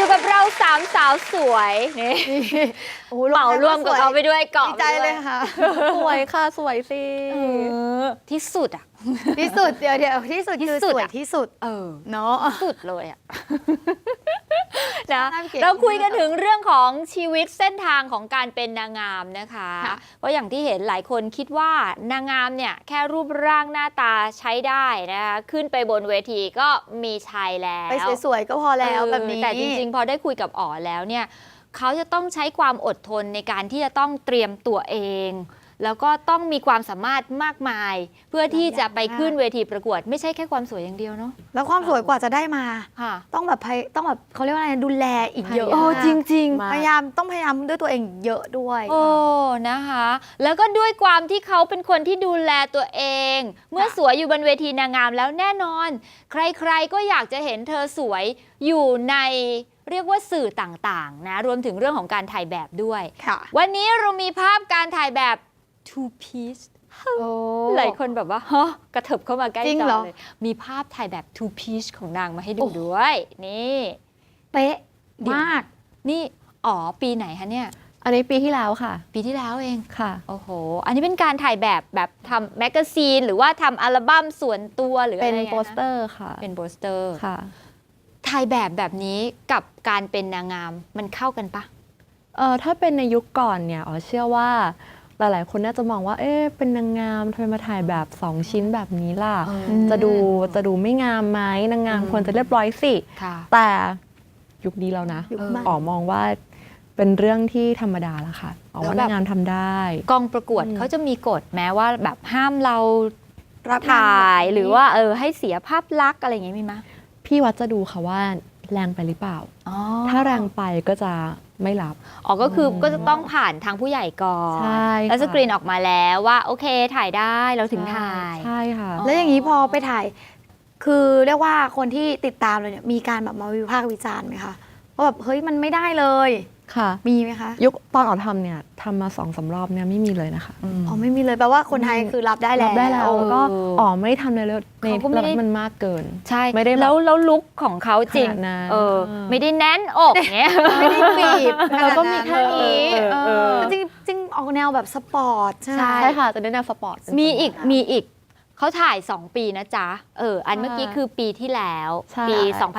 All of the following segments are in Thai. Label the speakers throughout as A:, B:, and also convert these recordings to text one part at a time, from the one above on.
A: อยู่กับเราสามสาวสวยนี่เหมารวมกับเขาไปด้วยเกาะ
B: ดีใจเลยค่ะ
C: สวยค่ะสวยสิ
A: ที่สุดอ่ะ
B: ที่สุดเดี๋ยวที่สุดคือสวยที่สุดเนาะ
A: สุดเลยอ่ะนะ
B: น่าเกลียด
A: เราคุยกันถึงเรื่องของชีวิตเส้นทางของการเป็นนางงามนะคะ
B: ค่ะ
A: เพราะอย่างที่เห็นหลายคนคิดว่านางงามเนี่ยแค่รูปร่างหน้าตาใช้ได้นะคะขึ้นไปบนเวทีก็มีชัยแล้ว
B: ไปสวยๆก็พอแล้วแบบนี้
A: แต่จริงๆพอได้คุยกับอ๋อแล้วเนี่ยเขาจะต้องใช้ความอดทนในการที่จะต้องเตรียมตัวเอง แล้วก็ต้องมีความสามารถมากมาย เพื่อที่จะไปขึ้นเวทีประกวดไม่ใช่แค่ความสวยอย่างเดียวเนาะ
B: แล้วความสวยกว่าจะได้มา
A: ค่ะ
B: ต้องแบบเขาเรียกว่าอะไรดูแลอีกเยอะ
C: โอ้
A: จริง
C: มาก
B: พยายามด้วยตัวเองเยอะด้วย
A: โอ้นะคะ แล้วก็ด้วยความที่เขาเป็นคนที่ดูแลตัวเอง เมื่อสวยอยู่บนเวทีนางงามแล้วแน่นอน ใครๆก็อยากจะเห็นเธอสวยอยู่ในเรียกว่าสื่อต่างๆนะรวมถึงเรื่องของการถ่ายแบบด้วย
B: ค่ะ
A: วันนี้เรามีภาพการถ่ายแบบ two piece
B: โอ้
A: หลายคนแบบว่าฮะกระเถิบเข้ามาใกล้
B: จริง
A: จอ
B: เหรอ
A: เลยมีภาพถ่ายแบบ two piece ของนางมาให้ดู
B: โอ้
A: ด้วยนี่
B: เป๊ะ
A: เดี๋ยว
B: มาก
A: นี่อ๋อปีไหนคะเนี่ย
C: อันนี้ปีที่แล้วค่ะ
A: ปีที่แล้วเอง
C: ค่ะ
A: โอ้โห อันนี้เป็นการถ่ายแบบทำแมกกาซีนหรือว่าทำอัลบั้มส่วนตัวหรืออะไร
C: เป็น
A: ไงคะ
C: โปสเตอร์ค่ะ
A: เป็นโปสเตอร์
C: ค่ะ
A: ถ่ายแบบนี้กับการเป็นนางงามมันเข้ากันปะ
C: ถ้าเป็นในยุคก่อนเนี่ยอ๋อเชื่อว่าหลายๆคนน่าจะมองว่า เอ๊ะเป็นนางงามทำไมมาถ่ายแบบ 2 ชิ้นแบบนี้ล่ะ จะดูไม่งามไหมนางงามควรจะเรียบร้อยสิ
A: ค่ะ
C: แต่ยุคนี้แล้วนะ
B: ยุคใหม่
C: อ๋อมองว่าเป็นเรื่องที่ธรรมดาแล้วค่ะอ๋อว่านางงามทำได้
A: กองประกวดเขาจะมีกฎแม้ว่าแบบห้ามเรา
B: รับงน
A: ถ่าย
B: แบบนี้
A: หรือว่าให้เสียภาพลักษณ์อะไรอย่างงี้มีไหม
C: พี่วัดจะดูค่ะว่าแรงไปหรือเปล่า
A: อ๋อ
C: ถ้าแรงไปก็จะไม่รับ
A: อ๋อก็คือก็จะต้องผ่านทางผู้ใหญ่ก่อน
C: ใช่
A: แล้ว
C: ค่ะ
A: สกรีนออกมาแล้วว่าโอเคถ่ายได้เราถึงถ่าย
C: ใช่ค่ะ
B: แล้วอย่างนี้พอไปถ่าย คือเรียกว่าคนที่ติดตามเลยเนี่ยมีการแบบมาวิพากษ์วิจารณ์ไหมคะว่าแบบเฮ้ยมันไม่ได้เลย
C: ค่ะ
B: มีไหมคะ
C: ยุคตอนออกทำเนี่ยทำมา2-3 รอบเนี่ยไม่มีเลยนะคะ
B: อ๋อไม่มีเลยแปลว่าคนไทยคือรับได้แล้ว
C: รับได้แล้วก็อ๋อไม่ได้ทำเลยแล้วใน
A: เขาก็ไม่ได้
C: แล้วมันมากเกิน
A: ใช่
C: ไม่ได้แบบ
A: แล้วลุคของเขาจริง
C: ขนาดนั้น
A: ไม่ได้แน่นอกเงี้ย
B: ไม่ได้บีบ
C: เราก็มีแค่นี้
B: จริงจริงออกแนวแบบสปอร์ตใช่ไหม
C: ใช่ค่ะจะได้แนวสปอร์ตเป็น
A: มีอีก
C: ส่วนใหญ่
A: มีอีกเขาถ่าย 2 ปีนะจ๊ะอันเมื่อกี้คือปีที่แล้ว
C: ใช่
A: ปี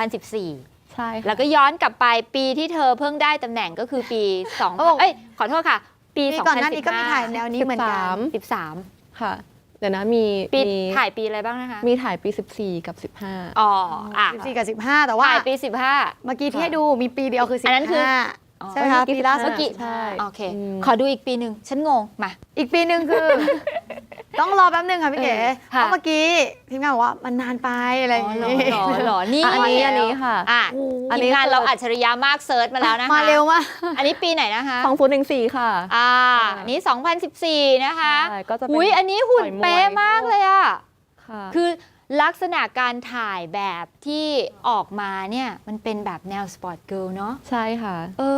A: 2014
C: ใช่ค่ะ
A: แล้วก็ย้อนกลับไปปีที่เธอเพิ่งได้ตำแหน่งก็คือปี2ขอโทษค่ะ ปี
B: ปีก่อนหน้านี้ก็มีถ่ายแนวนี้เหมือนกัน
A: 13
C: ค่ะเดี๋ยวนะมี
A: ปี
C: มี
A: ถ่ายปีอะไรบ้างนะคะ
C: มีถ่ายปี 14 กับ 15
A: อ๋ออ่ะ
B: 14 กับ 15 แต่ว่า
A: ถ่ายปี
B: เมื่อกี้ที่ให้ดูมีปีเดียวคือ 15
A: อันนั้นคือ
B: ใช่ไหมคะ
C: เมื่อกี้
B: ปีล่าสุด
A: เมื่อกี้
C: ใช่
A: โอเค
C: อืม
A: ขอดูอีกปีหนึ่งฉันงงมา
B: อีกปีหนึ่งคือ ต้องรอแป๊บหนึงค่ะพี่เก๋
A: ค่ะ
B: เพราะเมื่อกี้ทีมงานบอกว่ามันนานไปอะไรอย่าง
A: หรอ
B: งี้
A: หรอนี่
C: อันนี้ค่ะ
A: อ่ะ
B: โอ้โห
A: ทีมงานเราอัจฉริยะมากเซิร์ชมาแล้วนะคะ
B: มาเร็วมาก
A: อันนี้ปีไหนนะคะ
C: 2014 ค่ะ
A: อันนี้ 2014 นะคะ
C: ใช่ก็จะเป็น
A: อุ้ยอันนี้หุ่น
C: ต่อยมวย
A: เป๊ะมากเลยอ่ะ
C: ค่ะ
A: คือลักษณะการถ่ายแบบที่ออกมาเนี่ยมันเป็นแบบแนวสปอร์ตเกิร์ลเนาะ
C: ใช่ค่ะ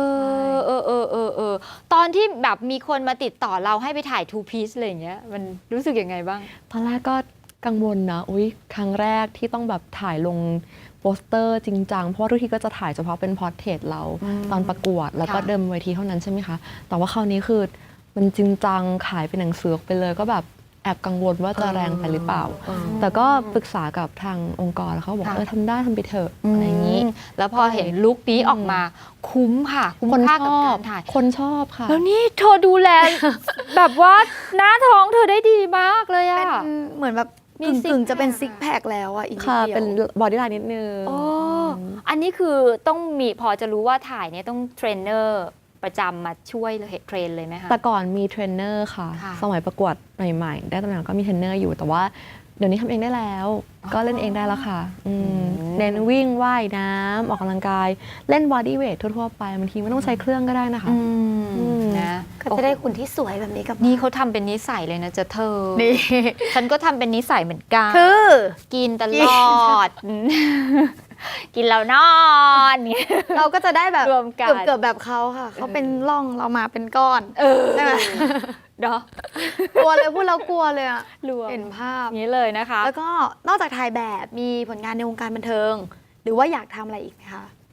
A: ตอนที่แบบมีคนมาติดต่อเราให้ไปถ่าย two piece อะไรอย่างเงี้ยมันรู้สึกยังไงบ้าง
C: ตอนแรกก็กังวลนะอุ๊ยครั้งแรกที่ต้องแบบถ่ายลงโปสเตอร์จริงจังเพราะว่าทุกทีก็จะถ่ายเฉพาะเป็นพอร์เทรตเรา
A: อืม
C: ตอนประกวดแล้วก็
A: ค่ะ
C: เดิมเวทีเท่านั้นใช่ไหมคะ แต่ว่าคราวนี้คือมันจริงจังขายเป็นหนังสือออกไปเลยก็แบบแอบกังวลว่าจะแรงไปหรือเปล่า แต่ก็ปรึกษากับทางองค์กรแล้วเขาบอก
A: ค่ะ
C: ทำได้ทำไปเถอะอะไรอย่างนี้
A: แล้วพอเห็นลุคนี้ออกมาคุ้มค่ะ คุ้ม
C: คน
A: ค่า
C: ช
A: กับ
C: อก
A: า
C: บ
A: รถ่าย
C: คนชอบค่ะ
A: แล้วนี่เธอดูแล แบบว่าหน้าท้องเธอได้ดีมากเลย
B: เป็
A: อะ
B: นเหมือนแบบ
A: มี
B: กึ่ง
A: ซิก
B: กึ่งจะเป็น
A: แพค
B: ซิกแพคแล้วอ่ะอีกนิด
C: ค่ะ
B: เดียว
C: เป็นบอดี้ไลน์นิดนึง
A: โอ้อันนี้คือต้องมีพอจะรู้ว่าถ่ายเนี่ยต้องเทรนเนอร์ประจำมาช่วยเลยเทรนเลยไหมคะ
C: แต่ก่อนมีเทรนเนอร์ค่ะ
A: ค่ะ
C: สมัยประกวดใหม่ๆ ได้ตำแหน่งก็มีเทรนเนอร์อยู่ แต่ว่าเดี๋ยวนี้ทำเองได้แล้ว ก็เล่นเองได้แล้วค่ะเน้นวิ่งว่ายน้ำออกกำลังกาย เล่นบอดี้เวททั่วๆไปบางทีไม่ต้องใช้เครื่องก็ได้นะคะ
A: นะ
B: ก็จะได้หุ่นที่สวยแบบนี้กลับมา
A: นี่เขาทำเป็นนิสัยเลยนะจะเธอ
B: นี่
A: ฉันก็ทำเป็นนิสัยเหมือนกัน
B: คือ
A: กินตลอด กินแล้วนอน เนี่ย
B: เราก็จะได้แบบ
A: รวมกัน
B: เกือบแบบเขาค่ะ เขาเป็นร่องเรามาเป็นก้อนใช่ไหม
A: เนาะ
B: กลัวเลยพูดแล้วกลัวเลยอะ
A: รวม
B: เห็นภาพ
A: อย่างนี้เลยนะคะ
B: แล้วก็นอกจากถ่ายแบบมีผลงานในวงการบันเทิง หรือว่าอยากทำอะไรอีกไหมคะ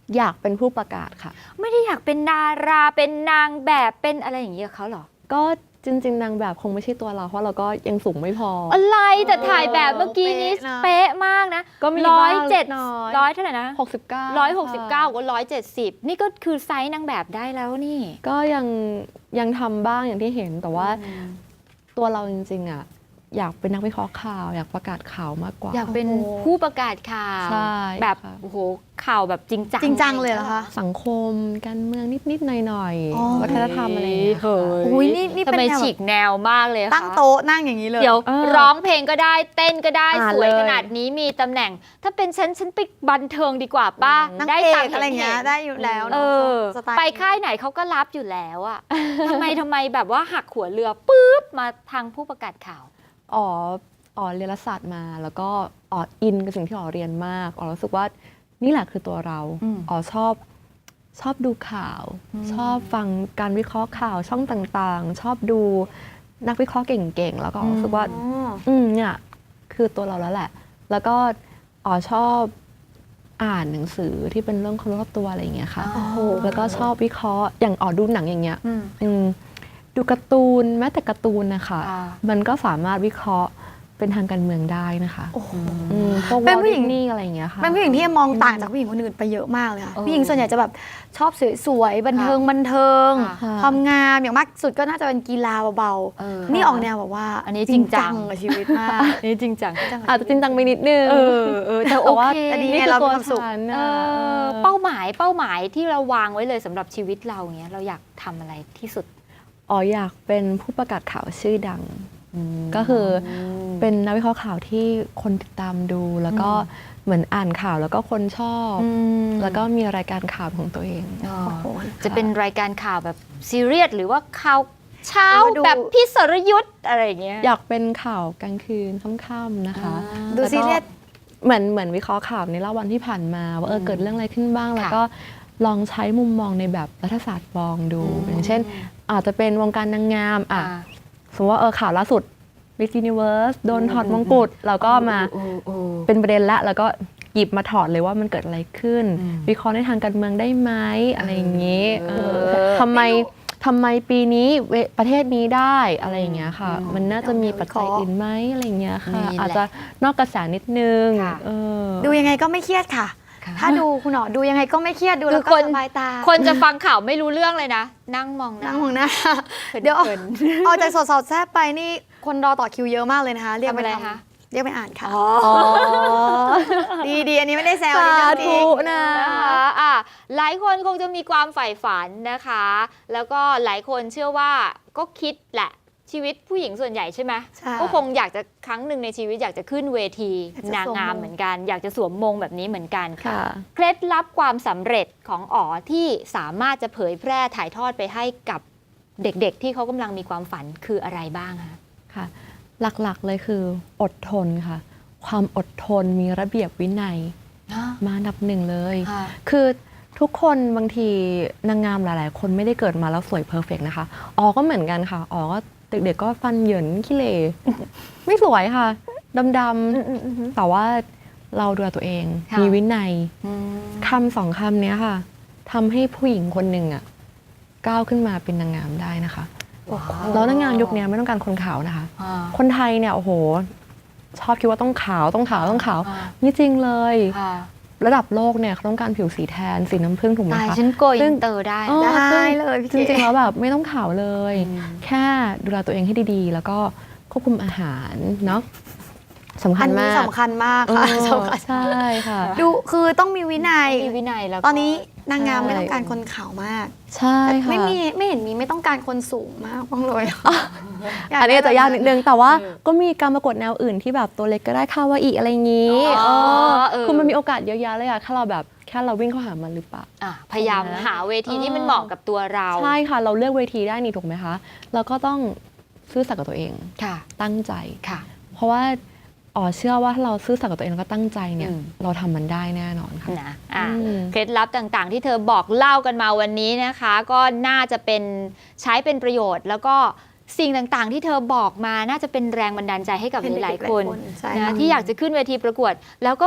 C: อยากเป็นผู้ประกาศค่ะ
A: ไม่ได้อยากเป็นดาราเป็นนางแบบเป็นอะไรอย่างนี้กับเขาเหรอ
C: ก็จริงๆนางแบบคงไม่ใช่ตัวเราเพราะเราก็ยังสูงไม่พอ
A: อะไรแต่ถ่ายแบบเมื่อกี้นี้
B: เป๊ะนะ
A: เป๊ะมากนะ
C: ก็มี
A: ร้อย
C: บ้าง
A: เจ็ด
C: น้อย
A: ร้อยเท่าไหร่นะ
C: 69
A: 169กับ170นี่ก็คือไซส์นางแบบได้แล้วนี่
C: ก็ยังทำบ้างอย่างที่เห็นแต่ว่าตัวเราจริงๆอ่ะอยากเป็นนักวิเคราะห์ข่าว อยากประกาศข่าวมากกว่า
A: อยากเป็น
B: โอ้โห
A: ผู้ประกาศข่าว
C: ใช่
A: แบบ
C: ค่ะ
A: โอ้โหข่าวแบบจริงจัง
B: จริงจังเลยเหรอคะ
C: สังคมการเมืองนิดๆหน่อย
B: อ๋อ
C: ๆวัฒนธรรมอะไรอย่างเงี้ย
A: เฮ้ย
B: อุ้ยนี่
A: ทำ
B: เป็น
A: ไม
B: แนว
A: ฉีกแนวมากเลยคะ
B: ตั้งโต๊ะนั่งอย่างนี้เลย
A: เดี๋ยว
C: เออ
A: ร้องเพลงก็ได้เต้นก็ได้
C: อ่า
A: สวย
C: เลย
A: ขนาดนี้มีตำแหน่ง ถ้าเป็นฉันไปบันเทิงดีกว่าป้า
B: นั่ง
A: ได้
B: เอ
A: ตัง
B: ก
A: ค์
B: อะไรเงี้ย
A: ห็นๆ
B: ได้อยู่แล้ว
A: เอ
B: เนาะ
A: อ
B: สตล์
A: ไปค่ายไหนเขาก็รับอยู่แล้วอะ ทำไมแบบว่าหักหัวเรือปุ๊บมาทางผู้ประกาศข่าว
C: อ๋อเรียนรัฐศาสตร์มาแล้วก็อินกับสิ่งที่อ๋อเรียนมากอ๋อรู้สึกว่านี่แหละคือตัวเรา
A: อืม
C: อ๋อชอบดูข่าว ชอบฟังการวิเคราะห์ข่าวช่องต่างๆ ชอบดูนักวิเคราะห์เก่งๆ แล้วก็อ๋อรู้สึกว่า เนี่ยคือตัวเราแล้วแหละ แล้วก็อ๋อชอบอ่านหนังสือที่เป็นเรื่องคนรอบตัวอะไรอย่างเงี้ยค่ะ
A: โอ้โห
C: แล้วก็ชอบวิเคราะห์อย่างอ๋อดูหนังอย่างเงี้ย
A: อืม
C: อืมดูการ์ตูนแม้แต่การ์ตูนนะคะ
A: อ่า
C: มันก็สามารถวิเคราะห์เป็นทางการเมืองได้นะคะ
B: โอ้โห
C: พวก
B: เป็นผู้หญิง
C: นี่อะไรอย่างเงี้ยค่ะ
B: เป็นผู้หญิงที่มองต่างจากผู้หญิงคนอื่นไปเยอะมากเลยค่ะ ผู้หญิงส่วนใหญ่จะแบบชอบสวยๆบันเทิง
A: ค่ะ
B: ความงามอย่างมากสุดก็น่าจะเป็นกีฬาเบา
A: เออ
B: ๆนี่ออกแนวแบบว่า
A: อันนี้จริงจัง
B: กับชีวิตมาก
A: นี่จริงจัง
C: อาจจะจริงจังไปนิดนึง
A: แต่โอ
C: แต่ว่า
A: เค
B: แต่ดี
C: นี่
B: ไง
C: คือ
B: เรามี
C: ตัว
B: ความสุข
C: ฉัน
A: เอ
C: น่ะ
A: อเป้าหมายที่เราวางไว้เลยสำหรับชีวิตเราเงี้ยเราอยากทำอะไรที่สุด
C: อ๋ออยากเป็นผู้ประกาศข่าวชื่อดัง ก็คือเป็นนักวิเคราะห์ข่าวที่คนติดตามดูแล้วก็เหมือนอ่านข่าวแล้วก็คนชอบ แล้วก็มีรายการข่าวของตัวเอง
A: อ๋อ
B: โอ้โห
A: จะเป็นรายการข่าวแบบซีเรียสหรือว่าข่าวเช้า
B: ดู
A: แบบพี่สรยุทธ์อะไรอย่างเงี้ย
C: อยากเป็นข่าวกลางคืนค่ำๆนะคะ
B: ดูซีเรียส
C: เหมือนวิเคราะห์ข่าวในรอบวันที่ผ่านมาว่าเกิดเรื่องอะไรขึ้นบ้าง แล้วก็ลองใช้มุมมองในแบบรัฐศาสตร์มองดูอย่างเช่น อาจจะเป็นวงการนางงามสมมติว่าข่าวล่าสุด Miss Universe โดนถอดมงกุฎเราก็มาเป็นประเด็นละแล้วก็หยิบมาถอดเลยว่ามันเกิดอะไรขึ้น วิเคราะห์ในทางการเมืองได้ไหมอะไรอย่างนี้ทำไมปีนี้ประเทศนี้ได้อะไรอย่างเงี้ยค่ะ มันน่าจะมีปัจจัยอื่นไหมอะไรอย่างเงี้ยค่ะ
A: นี่แหละ
C: อาจจะนอกกระแสนิดนึง
A: ค่ะ
B: ดูยังไงก็ไม่เครียดค่ะ ถ้าดูคุณหนอดูยังไงก็ไม่เครียดดูแล้ว
A: คื
B: ก็
A: อคน
B: สบายตา
A: คนจะฟังข่าวไม่รู้เรื่องเลยนะ นั่งมองห
B: นั่งมองหน้า
A: เดี๋
B: เดี๋
A: ย
B: ยว วออกจากสดๆแทบไปนี่คนรอต่อคิวเยอะมากเลยนะคะ เรียกไป
A: ทำอะไร
B: ทำ
A: คะ
B: เรียกไปอ่านค่ะ
A: อ๋อ
B: ดีอันนี้ไม่ได้แซวอันนี้เรื่องจริง
C: นะ
A: นะคะหลายคนคงจะมีความใฝ่ฝันนะคะ แล้วก็หลายคนเชื่อว่าก็คิดแหละชีวิตผู้หญิงส่วนใหญ่ใช่ไหม
B: ใช่
A: ก็คงอยากจะครั้งหนึ่งในชีวิตอยากจะขึ้นเวที
B: อยากจะ
A: นางงาม
B: สวมมง
A: เหมือนกัน อยากจะสวมมงแบบนี้เหมือนกัน
C: ค่ะ
A: เคล็ดลับความสำเร็จของอ๋อที่สามารถจะเผยแพร่ถ่ายทอดไปให้กับเด็กๆ ที่เขากำลังมีความฝันคืออะไรบ้างคะ
C: ค่ะ หลักๆเลยคืออดทนค่ะ ความอดทนมีระเบียบวินัยมาอันดับหนึ่งเลย
A: ค่ะ
C: คือทุกคนบางทีนางงามหลายๆ คนไม่ได้เกิดมาแล้วสวยเพอร์เฟกต์นะคะอ๋อก็เหมือนกันค่ะอ๋อก็เด็กๆก็ฟันเหยินขี้เหร่ ไม่สวยค่ะดำๆแต่ว่าเราดูแลตัวเอง
A: ค่ะ
C: มีวินัย
A: อืม
C: คำสองคำเนี้ยค่ะทำให้ผู้หญิงคนหนึ่งอ่ะก้าวขึ้นมาเป็นนางงามได้นะคะ แล้วนางงามยุคนี้ไม่ต้องการคนขาวนะคะ
A: อ่า
C: คนไทยเนี่ยโอ้โห ชอบคิดว่าต้องขาวไม่จริงเลย
A: ค่ะ
C: ระดับโลกเนี่ยเขาต้องการผิวสีแทนสีน้ำผึ้งถูกไหม
A: ตาย
C: คะ
A: ฉันโกย
C: ซึ่
A: อิ
C: ง
A: นเตอร์ได้
C: เออ
B: ได้เลยพี่
C: จริง
B: เก๋
C: ๆแล้วแบบไม่ต้องขาวเลย
A: อืม
C: แค่ดูแลตัวเองให้ดีๆ แล้วก็ควบคุมอาหารเนาะสำคั
B: อั
C: ญ
B: นนี้
C: มาก
B: สำคัญมากค่ะ
C: เออ
B: สำคัญ
C: ใช่ค่ะ
B: ดูคือต้องมีวินัย
A: มีวินัยแล้วก็
B: ตอนนี้นางงาม
C: ใช่
B: ไม่ต้องการคนขาวมาก
C: ใช่ค่ะ
B: ไม่เห็นมีไม่ต้องการคนสูงมากบ้างเลย
C: อันนี้อาจจะยากนิดนึงแต่ว่า
A: เออ
C: ก็มีการประกวดแนวอื่นที่แบบตัวเล็กก็ได้คาวาอิอะไรอย่างนี้
A: อ๋อ
C: เออคือมันมีโอกาสเยอะแยะเลยอะแค่เราวิ่งเข้าหามันหรือเปล่า
A: พยายามหาเวทีที่มันเหมาะกับตัวเรา
C: ใช่ค่ะ เราเลือกเวทีได้นี่ถูกไหมคะ เราก็ต้องซื่อสัตย์กับตัวเอง
A: ค่ะ
C: ตั้งใจ
A: ค่ะ
C: เพราะว่าอ๋อเชื่อว่าถ้าเราซื่อสัตย์กับตัวเองแล้วก็ตั้งใจเนี่ย
A: อืม
C: เราทำมันได้แน่นอนค่ะ
A: นะ
C: อืม
A: เคล็ดลับต่างๆ ที่เธอบอกเล่ากันมาวันนี้นะคะ ก็น่าจะเป็นใช้เป็นประโยชน์ แล้วก็สิ่งต่างๆ ที่เธอบอกมาน่าจะเป็นแรงบันดาลใจให้กับหลายๆคน
B: ใช่
A: นะ
B: ค่ะ
A: ที่อยากจะขึ้นเวทีประกวด แล้วก็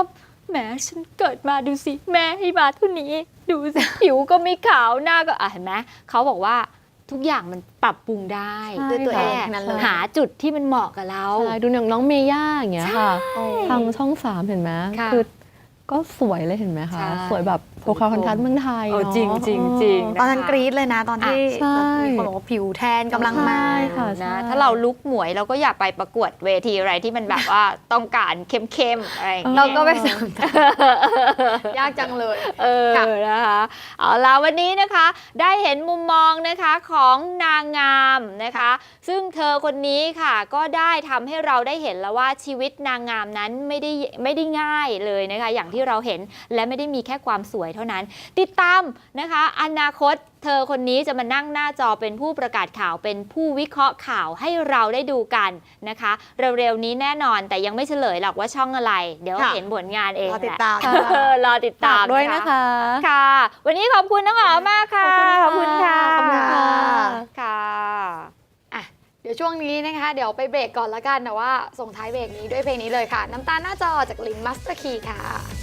A: แหมฉันเกิดมาดูสิแม่ให้มาเท่านี้ดูสิ ผิวก็ไม่ขาวหน้าก็เห็นไหมเขาบอกว่าทุกอย่างมันปรับปรุงได้
C: ใช่
A: ด้วยตัวเอง
B: ค่ะนั่นเลย
A: หาจุดที่มันเหมาะกับเรา
C: ใช่ดูอย่างน้องเมย่าอย่างเงี้ยค่ะ
B: โอ้
C: ทางช่อง 3 เห็นไหม
A: ค่ะ
C: คือก็สวยเลยเห็นไหมคะ
A: ใช่
C: สวยแบบโปรคาร์คอนทัสเมืองไทย
A: เออ
C: เนาะ
A: จริงๆจริงๆ
B: ตอนนั้นกรี๊ดเลยนะ ตอนที่
C: ใช่
B: มีคนบอกว่าผิวแทนกำลังมา
C: ใช่ค่ะ
A: นะถ้าเราลุกหมวยเราก็อยากไปประกวดเวทีอะไรที่มันแบบว่าต้องการเข้มๆอะไรอย่างเงี้ย
B: เราก็ไปสนใจยากจังเลย ค่ะ
A: นะคะเอาล่ะวันนี้นะคะได้เห็นมุมมองนะคะของนางงามนะคะ ซึ่งเธอคนนี้ค่ะก็ได้ทำให้เราได้เห็นแล้วว่าชีวิตนางงามนั้นไม่ได้ง่ายเลยนะคะอย่างที่เราเห็นและไม่ได้มีแค่ความสวยเท่านั้น ติดตามนะคะอนาคตเธอคนนี้จะมานั่งหน้าจอเป็นผู้ประกาศข่าวเป็นผู้วิเคราะห์ข่าวให้เราได้ดูกันนะคะเร็วๆนี้แน่นอนแต่ยังไม่เฉลยหรอกว่าช่องอะไร เดี๋ยว
B: ค่ะ
A: เห็นผลงานเอง
B: รอติด
A: แหละ
B: ตาม
A: รอติดตาม
C: ฝากด้วยนะคะ
A: ค่ะ วันนี้ขอบคุณน้องหอมมากค่ะ
B: ขอบคุณค่ะ
A: ขอบคุณค่ะ
B: ขอบคุณค่ะ
A: ค่ะ
B: อ่ะเดี๋ยวช่วงนี้นะคะ เดี๋ยวไปเบรกก่อนละกันแต่ว่าส่งท้ายเบรกนี้ด้วยเพลงนี้เลยค่ะ น้ำตาลหน้าจอจากลินมัสเตอร์คีค่ะ